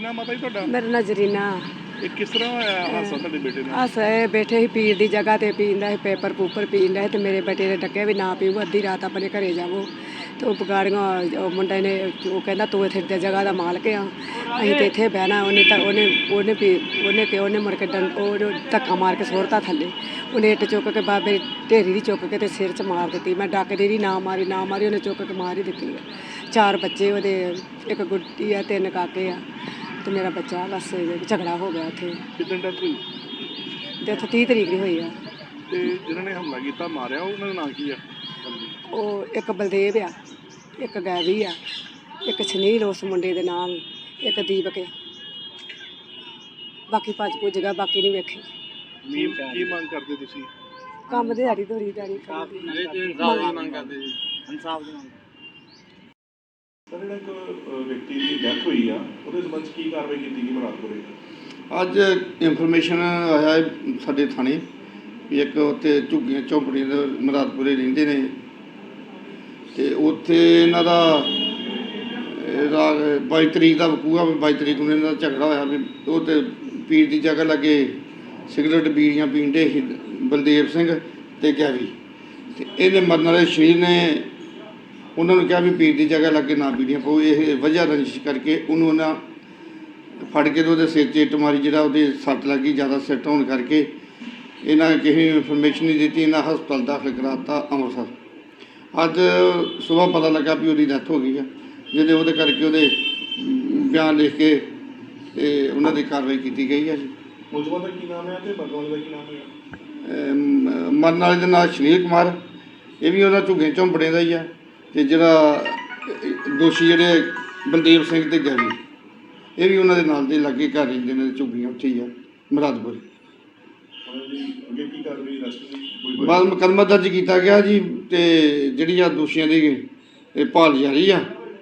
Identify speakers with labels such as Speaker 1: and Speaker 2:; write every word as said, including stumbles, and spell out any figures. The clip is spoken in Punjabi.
Speaker 1: ਨਾਮ ਮਾਤਾ ਜੀ ਤੁਹਾਡਾ?
Speaker 2: ਮੇਰਾ ਨਾਂ ਜਰੀਨਾ।
Speaker 1: ਇਹ ਕਿਸ ਤਰ੍ਹਾਂ ਹੋਇਆ ਹਾਦਸਾ ਤੁਹਾਡੇ ਬੇਟੇ ਨਾਲ?
Speaker 2: ਹਾਦਸਾ ਇਹ ਬੈਠੇ ਸੀ ਪੀਰ ਦੀ ਜਗ੍ਹਾ ਤੇ ਪੀਂਦਾ ਸੀ ਪੇਪਰ ਪੂਪਰ ਪੀਂਦਾ ਸੀ ਤੇ ਮੇਰੇ ਬੇਟੇ ਨੇ ਡੱਕਿਆ ਵੀ ਨਾ ਪੀਓ, ਅੱਧੀ ਰਾਤ ਆਪਣੇ ਘਰੇ ਜਾਵੋ। ਤੇ ਉਹ ਬਗਾੜੀਆਂ ਉਹ ਮੁੰਡੇ ਨੇ ਉਹ ਕਹਿੰਦਾ ਤੂੰ ਇੱਥੇ ਦੀ ਜਗ੍ਹਾ ਦਾ ਮਾਲਕ ਆ, ਅਸੀਂ ਤੇ ਇੱਥੇ ਬਹਿਣਾ। ਉਹਨੇ ਤਾਂ ਉਹਨੇ ਉਹਨੇ ਪੀ ਉਹਨੇ ਕਿ ਉਹਨੇ ਮੁੜ ਕੇ ਡੰ ਉਹ ਧੱਕਾ ਮਾਰ ਕੇ ਸੁੱਟਤਾ ਥੱਲੇ। ਉਹਨੇ ਇੱਟ ਚੁੱਕ ਕੇ ਬਾਬੇ ਢੇਰੀ ਦੀ ਚੁੱਕ ਕੇ ਤੇ ਸਿਰ 'ਚ ਮਾਰ ਦਿੱਤੀ। ਮੈਂ ਡੱਕਦੀ ਰਹੀ, ਨਾ ਮਾਰੀ ਨਾ ਮਾਰੀ, ਉਹਨੇ ਚੁੱਕ ਕੇ ਮਾਰ ਹੀ ਦਿੱਤੀ ਆ। ਚਾਰ ਬੱਚੇ ਉਹਦੇ, ਇੱਕ ਗੁੱਡੀ ਆ, ਤਿੰਨ ਕਾਕੇ ਆ ਤੇ ਮੇਰਾ ਬੱਚਾ। ਬਸ ਝਗੜਾ ਹੋ ਗਿਆ ਉੱਥੇ।
Speaker 1: ਕਿਦਾਂ ਡੈਥ ਹੋਈ?
Speaker 2: ਡੈਥ ਤੀਹ ਤਰੀਕ ਦੀ ਹੋਈ ਆ।
Speaker 1: ਤੇ ਜਿਹਨਾਂ ਨੇ ਹਮਲਾ ਕੀਤਾ ਮਾਰਿਆ ਉਹਨਾਂ ਦਾ ਨਾਂ ਕੀ ਆ?
Speaker 2: ਉਹ ਇੱਕ ਬਲਦੇਵ ਆ, ਇੱਕ ਗੈਵੀ ਆ, ਇੱਕ ਸੁਨੀਲ ਉਸ ਮੁੰਡੇ ਦੇ ਨਾਮ, ਇੱਕ ਦੀਪਕ ਆ। ਬਾਕੀ ਭੱਜ ਭੁੱਜ ਗਿਆ, ਬਾਕੀ ਨਹੀਂ ਵੇਖੇ।
Speaker 1: ਕੀ ਕੀ ਮੰਗ ਕਰਦੇ ਤੁਸੀਂ?
Speaker 2: ਕੰਮ ਦਿਹਾੜੀ ਧੋਰੀ ਦਿਹਾੜੀ ਕਰਦੇ।
Speaker 1: ਮੰਗ ਕਰਦੇ ਜੀ ਇਨਸਾਫ ਦੀ ਮੰਗ। ਸਰ ਜਿਹੜਾ ਇੱਕ ਵਿਅਕਤੀ ਦੀ ਡੈਥ ਹੋਈ ਆ ਉਹਦੇ ਸੰਬੰਧ ਕੀ ਕਾਰਵਾਈ ਕੀਤੀ ਗਈ ਮੁਰਾਦਪੁਰੇ?
Speaker 3: ਅੱਜ ਇਨਫੋਰਮੇਸ਼ਨ ਆਇਆ ਹੈ ਸਾਡੇ ਥਾਣੇ ਵੀ ਇੱਕ ਉੱਥੇ ਝੁੱਗੀਆਂ ਝੌਂਪੜੀਆਂ ਦੇ ਮੁਰਾਦਪੁਰੇ ਰਹਿੰਦੇ ਨੇ ਤੇ ਉੱਥੇ ਇਹਨਾਂ ਦਾ ਰਾਤ ਬਾਈ ਤਰੀਕ ਦਾ ਵਕੂਆ ਵੀ ਬਾਈ ਤਰੀਕ ਨੂੰ ਇਹਨਾਂ ਦਾ ਝਗੜਾ ਹੋਇਆ ਵੀ ਉਹ ਤੇ ਪੀਰ ਦੀ ਜਗ੍ਹਾ ਲੱਗੇ ਸਿਗਰਟ ਬੀੜੀਆਂ ਪੀਂਦੇ ਸੀ ਬਲਦੇਵ ਸਿੰਘ ਤੇ ਗੈਵੀ। ਤੇ ਇਹਦੇ ਮਰਨ ਵਾਲੇ ਸ਼ਰੀਰ ਨੇ ਉਹਨਾਂ ਨੂੰ ਕਿਹਾ ਵੀ ਪੀਰ ਦੀ ਜਗ੍ਹਾ ਲੱਗੇ ਨਾ ਬੀੜੀਆਂ ਪਾਓ। ਇਹ ਵਜ੍ਹਾ ਰੰਜਿਸ਼ ਕਰਕੇ ਉਹਨੂੰ ਉਹਨਾਂ ਫੜ ਕੇ ਤੇ ਉਹਦੇ ਸਿਰ 'ਚ ਇੱਟ ਮਾਰੀ, ਜਿਹੜਾ ਉਹਦੇ ਸੱਟ ਲੱਗੀ ਜ਼ਿਆਦਾ ਸਿੱਟ ਹੋਣ ਕਰਕੇ ਇਹਨਾਂ ਕਿਸੇ ਨੂੰ ਇਨਫੋਰਮੇਸ਼ਨ ਨਹੀਂ ਦਿੱਤੀ। ਇਹਨਾਂ ਹਸਪਤਾਲ ਦਾਖਲ ਕਰਾ ਦਿੱਤਾ ਅੰਮ੍ਰਿਤਸਰ। ਅੱਜ ਸੁਬਾਹ ਪਤਾ ਲੱਗਾ ਵੀ ਉਹਦੀ ਡੈਥ ਹੋ ਗਈ ਆ, ਜਿਹਦੇ ਉਹਦੇ ਕਰਕੇ ਉਹਦੇ ਬਿਆਨ ਲਿਖ ਕੇ ਤੇ ਉਹਨਾਂ ਦੀ ਕਾਰਵਾਈ ਕੀਤੀ ਗਈ ਹੈ ਜੀ।
Speaker 1: ਮੁਲਜ਼ਮਾਂ ਦਾ ਕੀ ਨਾਮ ਹੈ ਤੇ ਮਰਨ ਵਾਲੇ ਦਾ ਕੀ ਨਾਮ ਹੈ?
Speaker 3: ਮਰਨ ਵਾਲੇ ਦਾ ਨਾਮ ਸੁਨੀਲ ਕੁਮਾਰ, ਇਹ ਵੀ ਉਹਨਾਂ ਝੁੱਗੇ ਝੌਂਪੜੇ ਦਾ ਹੀ ਆ। ਤੇ ਜਿਹੜਾ ਦੋਸ਼ੀ ਜਿਹੜੇ ਬਲਦੇਵ ਸਿੰਘ ਤੇ ਗੈਵੀ, ਇਹ ਵੀ ਉਹਨਾਂ ਦੇ ਨਾਲ ਦੇ ਲਾਗੇ ਘਰ ਰਹਿੰਦੇ ਨੇ, ਝੁੱਗੀਆਂ ਉੱਥੇ ਹੀ ਆ ਮੁਰਾਦਪੁਰ।
Speaker 1: ਅੱਗੇ ਕੀ ਕਾਰਵਾਈ ਰਸਤੇ
Speaker 3: ਬਾਅਦ ਮੁਕੱਦਮਾ ਦਰਜ ਕੀਤਾ ਗਿਆ ਜੀ ਤੇ ਜਿਹੜੀਆਂ ਦੋਸ਼ੀਆਂ ਦੀ ਇਹ ਭਾਲ ਜਾਰੀ ਆ।